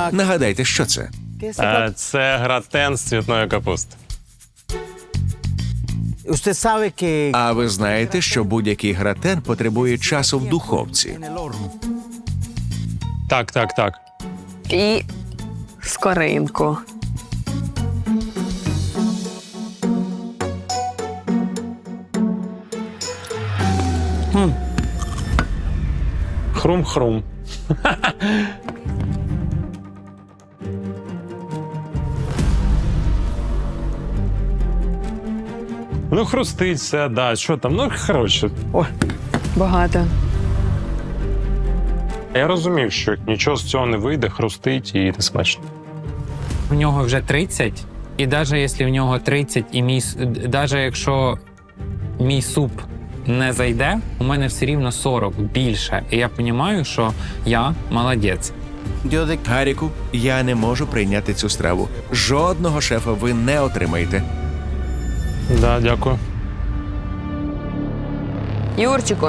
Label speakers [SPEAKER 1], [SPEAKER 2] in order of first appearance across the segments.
[SPEAKER 1] Нагадайте, що це?
[SPEAKER 2] Це гратен з цвітної капусти.
[SPEAKER 1] А ви знаєте, що будь-який гратен потребує часу в духовці.
[SPEAKER 2] Так.
[SPEAKER 3] І скоринку.
[SPEAKER 2] Хрум-хрум. Ну, хрустить все, да. Що там? Ну, коротше.
[SPEAKER 3] Багато.
[SPEAKER 2] Я розумів, що нічого з цього не вийде, хрустить і не смачно.
[SPEAKER 4] В нього вже 30, і навіть якщо в нього 30, і навіть якщо мій суп не зайде, у мене все рівно 40 більше. І я розумію, що я молодець.
[SPEAKER 1] Гаріку, я не можу прийняти цю страву. Жодного шефа ви не отримаєте.
[SPEAKER 2] Да, дякую.
[SPEAKER 3] Юрчику.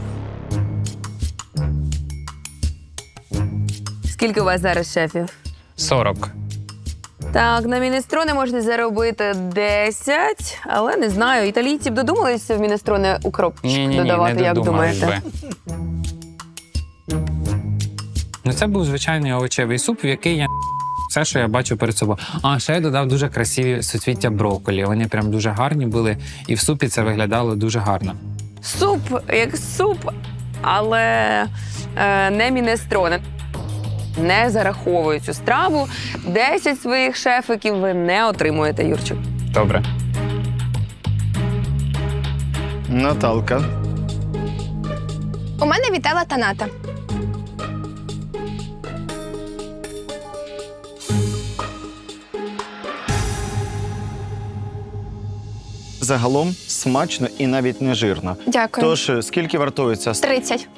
[SPEAKER 3] Скільки у вас зараз шефів?
[SPEAKER 4] 40.
[SPEAKER 3] Так, на мінестрони можна заробити 10, але не знаю. Італійці б додумалися в мінестрони укропчик додавати,
[SPEAKER 4] не
[SPEAKER 3] як
[SPEAKER 4] додумались
[SPEAKER 3] думаєте?
[SPEAKER 4] би. Ну, це був звичайний овочевий суп, в який я все, що я бачу перед собою. А ще я додав дуже красиві суцвіття брокколі. Вони прям дуже гарні були, і в супі це виглядало дуже гарно.
[SPEAKER 3] Суп як суп, але не мінестрони. Не зараховую цю страву. 10 своїх шефиків ви не отримуєте, Юрчик.
[SPEAKER 4] Добре.
[SPEAKER 5] Наталка.
[SPEAKER 6] У мене вітала таната.
[SPEAKER 5] Загалом смачно і навіть не жирно.
[SPEAKER 6] Дякую.
[SPEAKER 5] Тож, скільки вартується?
[SPEAKER 6] 30.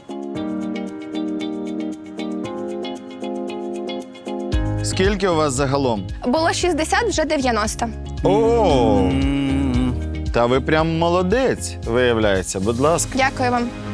[SPEAKER 5] Скільки у вас загалом?
[SPEAKER 6] Було 60, вже 90.
[SPEAKER 5] О! Та ви прям молодець, виявляється. Будь ласка.
[SPEAKER 6] Дякую вам.